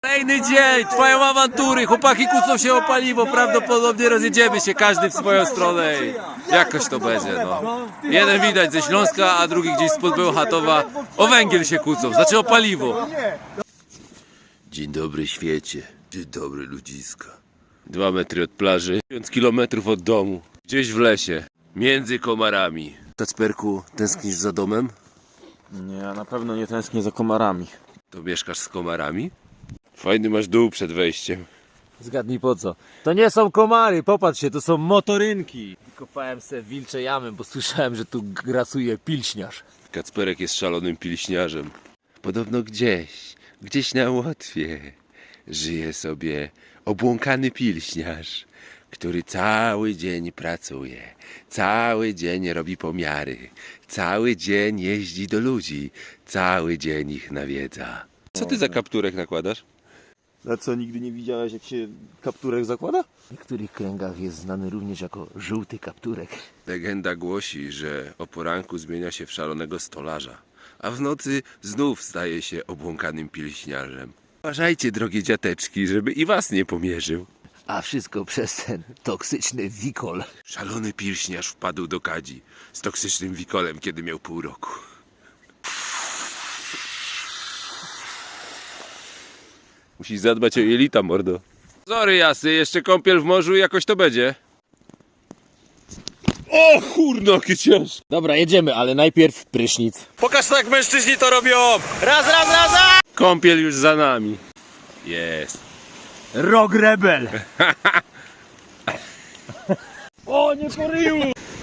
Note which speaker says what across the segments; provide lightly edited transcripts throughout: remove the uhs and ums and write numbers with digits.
Speaker 1: Kolejny dzień, trwają awantury, chłopaki kłócą się o paliwo, prawdopodobnie rozjedziemy się każdy w swoją stronę i jakoś to będzie, no. Jeden widać ze Śląska, a drugi gdzieś spod Bełchatowa. O węgiel się kłócą, znaczy o paliwo. Dzień dobry świecie, dzień dobry ludziska. 2 metry od plaży, 1000 kilometrów od domu, gdzieś w lesie, między komarami. Kacperku, tęsknisz za domem?
Speaker 2: Nie, ja na pewno nie tęsknię za komarami.
Speaker 1: To mieszkasz z komarami? Fajny masz dół przed wejściem.
Speaker 3: Zgadnij po co? To nie są komary, popatrz się, to są motorynki. Kopałem se wilcze jamy, bo słyszałem, że tu grasuje pilśniarz.
Speaker 1: Kacperek jest szalonym pilśniarzem. Podobno gdzieś na Łotwie żyje sobie obłąkany pilśniarz, który cały dzień pracuje, cały dzień robi pomiary, cały dzień jeździ do ludzi, cały dzień ich nawiedza. Co ty za kapturek nakładasz?
Speaker 2: A co, nigdy nie widziałeś, jak się kapturek zakłada?
Speaker 3: W niektórych kręgach jest znany również jako żółty kapturek.
Speaker 1: Legenda głosi, że o poranku zmienia się w szalonego stolarza, a w nocy znów staje się obłąkanym pilśniarzem. Uważajcie, drogie dziateczki, żeby i was nie pomierzył.
Speaker 3: A wszystko przez ten toksyczny wikol.
Speaker 1: Szalony pilśniarz wpadł do kadzi z toksycznym wikolem, kiedy miał pół roku. Musisz zadbać o jelita, mordo. Sorry, Jasy, jeszcze kąpiel w morzu i jakoś to będzie. O kurno, jakie ciężkie.
Speaker 3: Dobra, jedziemy, ale najpierw prysznic.
Speaker 2: Pokaż to, jak mężczyźni to robią! Raz!
Speaker 1: Kąpiel już za nami. Jest.
Speaker 3: Rock Rebel! O, nie po ryju!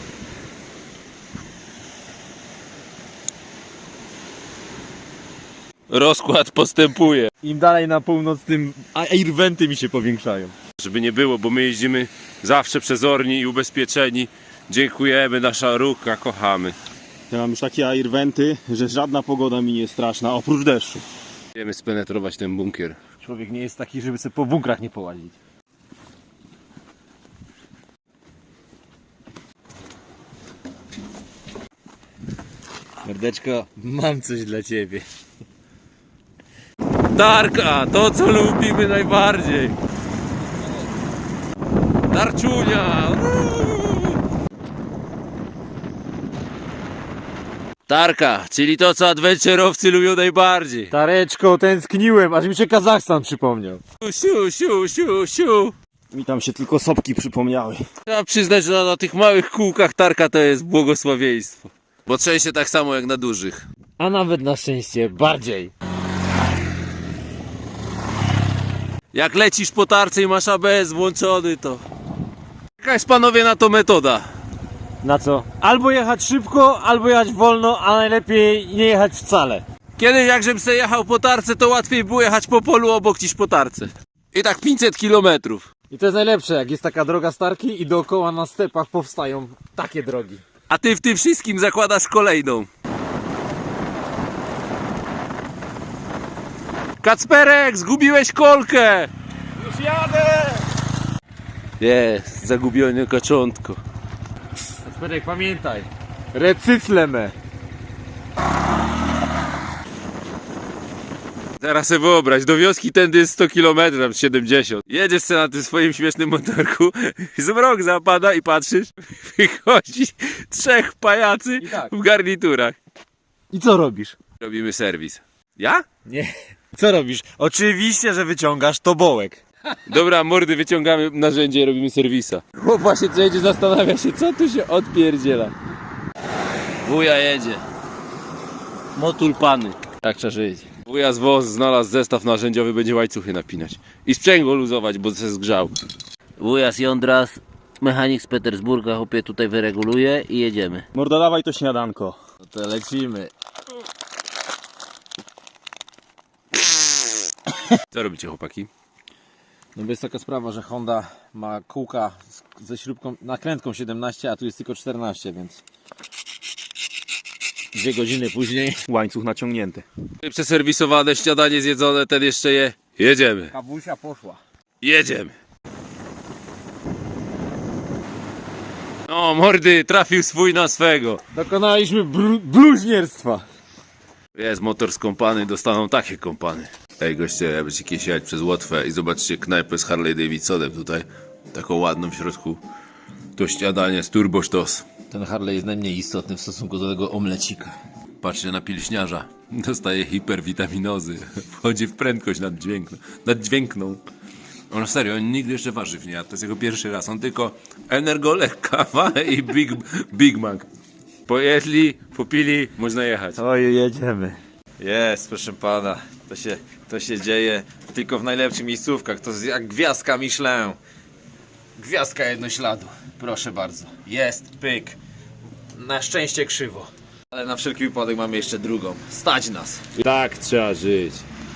Speaker 1: Rozkład postępuje.
Speaker 2: Im dalej na północ, tym airwenty mi się powiększają.
Speaker 1: Żeby nie było, bo my jeździmy zawsze przezorni i ubezpieczeni. Dziękujemy, nasza ruka, kochamy.
Speaker 2: Ja mam już takie airwenty, że żadna pogoda mi nie jest straszna, oprócz deszczu.
Speaker 1: Chcemy spenetrować ten bunkier.
Speaker 3: Człowiek nie jest taki, żeby sobie po bunkrach nie połazić. Mordeczko, mam coś dla ciebie.
Speaker 1: Tarka, to co lubimy najbardziej. Tarczunia. Tarka, czyli to co adventurowcy lubią najbardziej.
Speaker 3: Tareczko, tęskniłem, aż mi się Kazachstan przypomniał.
Speaker 1: Siu.
Speaker 2: Mi tam się tylko sopki przypomniały.
Speaker 1: Trzeba przyznać, że na tych małych kółkach tarka to jest błogosławieństwo. Bo trzęsie tak samo jak na dużych.
Speaker 3: A nawet na szczęście bardziej.
Speaker 1: Jak lecisz po tarce i masz ABS włączony, to... Jaka jest, panowie, na to metoda?
Speaker 3: Na co? Albo jechać szybko, albo jechać wolno, a najlepiej nie jechać wcale.
Speaker 1: Kiedyś jak żebym se jechał po tarce, to łatwiej było jechać po polu obok niż po tarce. I tak 500 kilometrów.
Speaker 3: I to jest najlepsze, jak jest taka droga Starki i dookoła na stepach powstają takie drogi.
Speaker 1: A ty w tym wszystkim zakładasz kolejną. Kacperek, zgubiłeś kolkę!
Speaker 2: Już jadę!
Speaker 1: Jest, zagubione kaczątko.
Speaker 3: Kacperek, pamiętaj, recycleme.
Speaker 1: Teraz sobie wyobraź, do wioski tędy jest 100 km, tam 70. Jedziesz sobie na tym swoim śmiesznym motorku, zmrok zapada i patrzysz, wychodzi 3 pajacy
Speaker 3: I tak.
Speaker 1: w garniturach.
Speaker 3: I co robisz?
Speaker 1: Robimy serwis. Ja?
Speaker 3: Nie.
Speaker 2: Co robisz? Oczywiście, że wyciągasz tobołek.
Speaker 1: Dobra, mordy, wyciągamy narzędzie i robimy serwisa. Chłop właśnie co jedzie, zastanawia się, co tu się odpierdziela. Wuja jedzie. Motul pany. Tak trzeba żyć. Wuja z WOZ znalazł zestaw narzędziowy, będzie łańcuchy napinać. I sprzęgło luzować, bo się zgrzał.
Speaker 4: Wuja z Jądras, mechanik z Petersburga, chłopie tutaj wyreguluje i jedziemy.
Speaker 2: Morda, dawaj to śniadanko.
Speaker 3: No to lecimy.
Speaker 1: Co robicie, chłopaki?
Speaker 3: No bo jest taka sprawa, że Honda ma kółka ze śrubką, nakrętką 17, a tu jest tylko 14, więc 2 godziny później.
Speaker 2: Łańcuch naciągnięty.
Speaker 1: Przeserwisowane, śniadanie zjedzone, ten jeszcze je. Jedziemy.
Speaker 3: Kawusia poszła.
Speaker 1: Jedziemy. No, mordy, trafił swój na swego.
Speaker 3: Dokonaliśmy bluźnierstwa.
Speaker 1: Jest motor skąpany, dostaną takie kompany. Ej goście, ja będziecie kiedyś jechać przez Łotwę i zobaczcie knajpę z Harley Davidsonem tutaj. Taką ładną w środku. To śniadanie z turbo sztos.
Speaker 3: Ten Harley jest najmniej istotny w stosunku do tego omlecika.
Speaker 1: Patrzcie na pilśniarza. Dostaje hiperwitaminozy. Wchodzi w prędkość naddźwiękną. On serio, on nigdy jeszcze warzyw nie jadł. To jest jego pierwszy raz. On tylko energolek, kawa i Big Mac. Pojedli, popili, można jechać.
Speaker 3: Oj, jedziemy.
Speaker 5: Jest, proszę pana. To się dzieje tylko w najlepszych miejscówkach. To jest jak gwiazdka Michelin. Gwiazdka jednośladu. Proszę bardzo. Jest, pyk. Na szczęście krzywo. Ale na wszelki wypadek mamy jeszcze drugą. Stać nas.
Speaker 3: Tak trzeba żyć.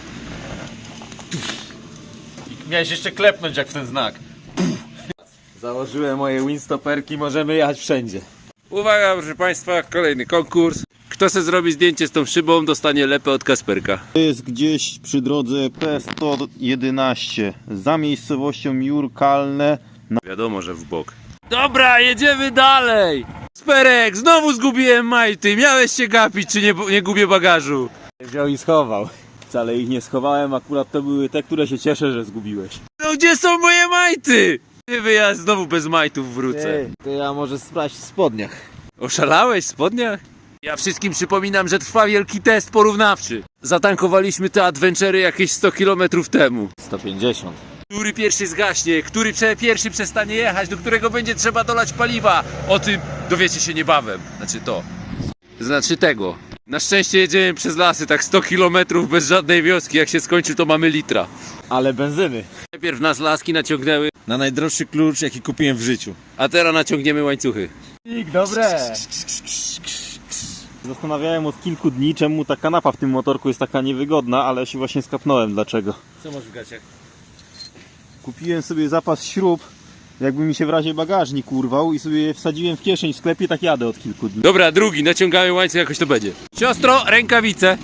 Speaker 5: I miałeś jeszcze klepnąć jak w ten znak.
Speaker 3: Założyłem moje windstoperki, możemy jechać wszędzie.
Speaker 1: Uwaga, proszę Państwa, kolejny konkurs. Kto se zrobi zdjęcie z tą szybą, dostanie lepę od Kasperka.
Speaker 2: To jest gdzieś przy drodze P111 za miejscowością Jurkalne.
Speaker 1: Wiadomo, że w bok. Dobra, jedziemy dalej. Kasperek, znowu zgubiłem majty. Miałeś się gapić, czy nie gubię bagażu?
Speaker 3: Wziął i schował.
Speaker 2: Wcale ich nie schowałem, akurat to były te, które się cieszę, że zgubiłeś.
Speaker 1: No gdzie są moje majty? Ja znowu bez majtów wrócę.
Speaker 3: To ja może sprawdź w spodniach.
Speaker 1: Oszalałeś w spodniach? Ja wszystkim przypominam, że trwa wielki test porównawczy. Zatankowaliśmy te adventury jakieś 100 km temu.
Speaker 3: 150.
Speaker 1: Który pierwszy zgaśnie, który pierwszy przestanie jechać, do którego będzie trzeba dolać paliwa. O tym dowiecie się niebawem. Znaczy tego. Na szczęście jedziemy przez lasy, tak 100 km bez żadnej wioski. Jak się skończy, to mamy litra.
Speaker 3: Ale benzyny.
Speaker 1: Najpierw nas laski naciągnęły,
Speaker 5: Na najdroższy klucz jaki kupiłem w życiu.
Speaker 1: a teraz naciągniemy łańcuchy.
Speaker 3: Dobre.
Speaker 2: Zastanawiałem od kilku dni, czemu ta kanapa w tym motorku jest taka niewygodna, ale się właśnie skapnąłem dlaczego.
Speaker 1: Co masz w gaciach?
Speaker 2: Kupiłem sobie zapas śrub, jakby mi się w razie bagażnik urwał i sobie je wsadziłem w kieszeń w sklepie, tak jadę od kilku dni.
Speaker 1: Dobra, drugi, naciągamy łańcuch, jakoś to będzie. Siostro, rękawice.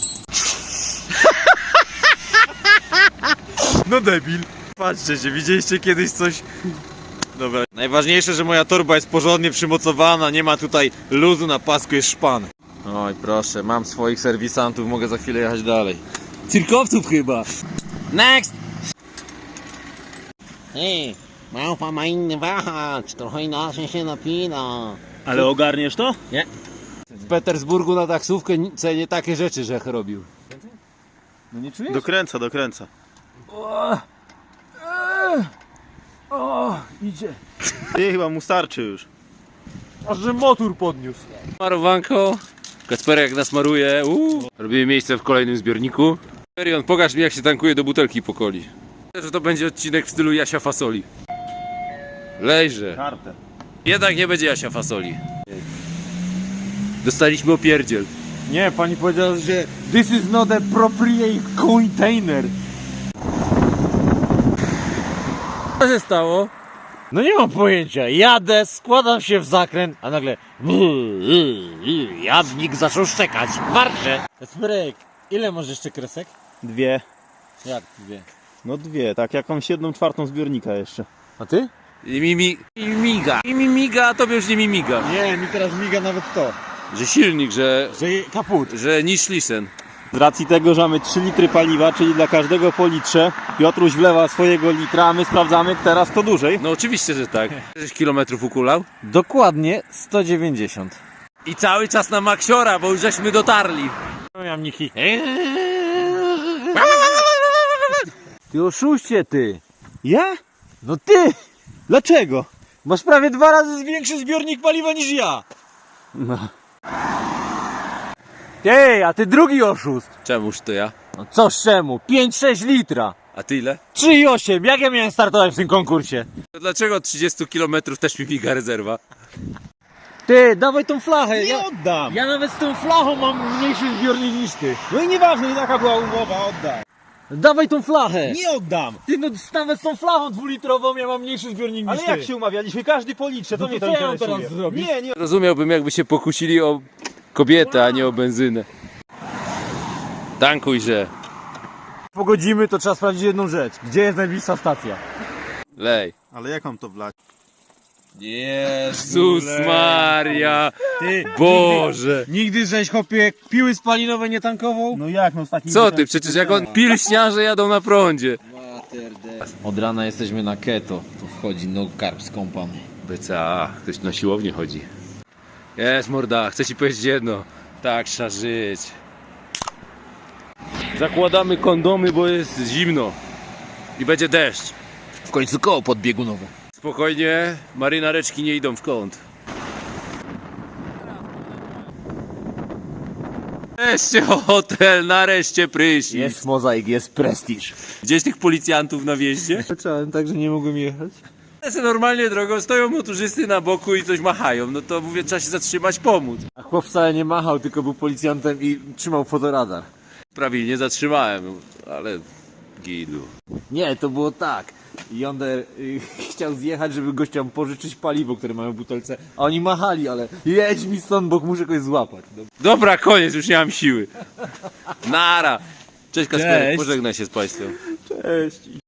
Speaker 5: No debil. Patrzcie się, widzieliście kiedyś coś... Dobra. Najważniejsze, że moja torba jest porządnie przymocowana, nie ma tutaj luzu na pasku, jest szpan. Oj proszę, mam swoich serwisantów, mogę za chwilę jechać dalej.
Speaker 1: Cyrkowców chyba.
Speaker 5: Next!
Speaker 6: Ej, małpa ma inny wahacz, trochę inaczej się napina.
Speaker 2: Ale ogarniesz to?
Speaker 3: W Petersburgu na taksówkę cenię takie rzeczy, że robił.
Speaker 2: No nie czujesz? Dokręca.
Speaker 3: Idzie.
Speaker 2: Ty chyba mu starczy już.
Speaker 3: Aż że motor podniósł.
Speaker 1: Marowanko. Kacperek jak nas maruje. Robimy miejsce w kolejnym zbiorniku. Perion, pokaż mi jak się tankuje do butelki po coli. Że to będzie odcinek w stylu Jasia Fasoli. Lejże.
Speaker 2: Kartę.
Speaker 1: Jednak nie będzie Jasia Fasoli. Dostaliśmy opierdziel.
Speaker 3: Nie, pani powiedziała, że this is not a appropriate container.
Speaker 1: Co się stało?
Speaker 3: No nie mam pojęcia. Jadę, składam się w zakręt, a nagle jadnik zaczął szczekać. Warczę. Sprek, ile masz jeszcze kresek?
Speaker 2: 2.
Speaker 3: Jak dwie?
Speaker 2: No 2, tak jakąś 1/4 zbiornika jeszcze.
Speaker 3: A ty?
Speaker 1: I mi miga, a tobie już nie mi miga.
Speaker 3: Nie, mi teraz miga nawet to.
Speaker 1: Że silnik, że
Speaker 3: Kaput.
Speaker 1: niż lisen.
Speaker 2: Z racji tego, że mamy 3 litry paliwa, czyli dla każdego po litrze, Piotruś wlewa swojego litra, a my sprawdzamy teraz kto dłużej.
Speaker 1: No oczywiście, że tak. 6 kilometrów ukulał.
Speaker 3: Dokładnie 190.
Speaker 1: I cały czas na Maksiora, bo już żeśmy dotarli.
Speaker 3: No jamniki. Ty oszuście ty.
Speaker 2: Ja?
Speaker 3: No ty!
Speaker 2: Dlaczego?
Speaker 3: Masz prawie 2 razy większy zbiornik paliwa niż ja.
Speaker 2: No.
Speaker 3: Ty, a ty drugi oszust.
Speaker 1: Czemuż to ja?
Speaker 3: No co czemu? 5-6 litra.
Speaker 1: A ty ile?
Speaker 3: 3,8. Jak ja miałem startować w tym konkursie?
Speaker 1: To dlaczego 30 km też mi miga rezerwa?
Speaker 3: Ty, dawaj tą flachę.
Speaker 2: Nie oddam!
Speaker 3: Ja nawet z tą flachą mam mniejszy zbiornik niż ty.
Speaker 2: No i nieważne, i taka była umowa, oddaj.
Speaker 3: Dawaj tą flachę.
Speaker 2: Nie oddam!
Speaker 3: Ty, no nawet z tą flachą 2-litrową ja mam mniejszy zbiornik
Speaker 2: Ale
Speaker 3: niż
Speaker 2: jak
Speaker 3: ty.
Speaker 2: się umawialiśmy? Każdy po litrze, to
Speaker 3: No
Speaker 2: mnie
Speaker 3: to
Speaker 2: to
Speaker 3: co ja mam
Speaker 2: interesuje.
Speaker 3: teraz zrobić?
Speaker 2: Nie.
Speaker 1: Rozumiałbym, jakby się pokusili o kobietę, a nie o benzynę. Tankujże.
Speaker 3: Pogodzimy, to trzeba sprawdzić jedną rzecz. Gdzie jest najbliższa stacja?
Speaker 1: Lej.
Speaker 2: Ale jak mam to wlać?
Speaker 1: Jezus Maria!
Speaker 2: Ty,
Speaker 1: Boże!
Speaker 3: Nigdy żeś chłopie piły spalinowe nie tankował?
Speaker 2: no jak, no z takim...
Speaker 1: Co ty? Przecież jak on pilśniarze jadą na prądzie.
Speaker 3: Od rana jesteśmy na keto. Tu wchodzi no carbs company.
Speaker 1: BCA, ktoś na siłownię chodzi. Jest morda, chcę ci powiedzieć jedno. Tak trzeba żyć. Zakładamy kondomy, bo jest zimno. I będzie deszcz.
Speaker 3: W końcu koło podbiegunowe.
Speaker 1: Spokojnie, marynareczki nie idą w kąt. Nareszcie hotel, nareszcie prysznic.
Speaker 3: Jest mozaik, jest prestiż.
Speaker 1: Gdzieś tych policjantów na wjeździe?
Speaker 3: Zacząłem tak, że nie mogłem jechać.
Speaker 1: Ja se normalnie drogą, stoją motorzysty na boku i coś machają. No to mówię, trzeba się zatrzymać, pomóc.
Speaker 3: A chłop wcale nie machał, tylko był policjantem i trzymał fotoradar.
Speaker 1: Prawilnie zatrzymałem, ale gidu.
Speaker 3: Nie, to było tak. Yonder chciał zjechać, żeby gościom pożyczyć paliwo, które mają w butelce, a oni machali, ale jedź mi stąd, bo muszę kogoś złapać. No.
Speaker 1: Dobra, koniec, już nie mam siły. Nara. Cześć Kasperek,
Speaker 2: Cześć.
Speaker 1: pożegnaj się z Państwem.
Speaker 2: Cześć.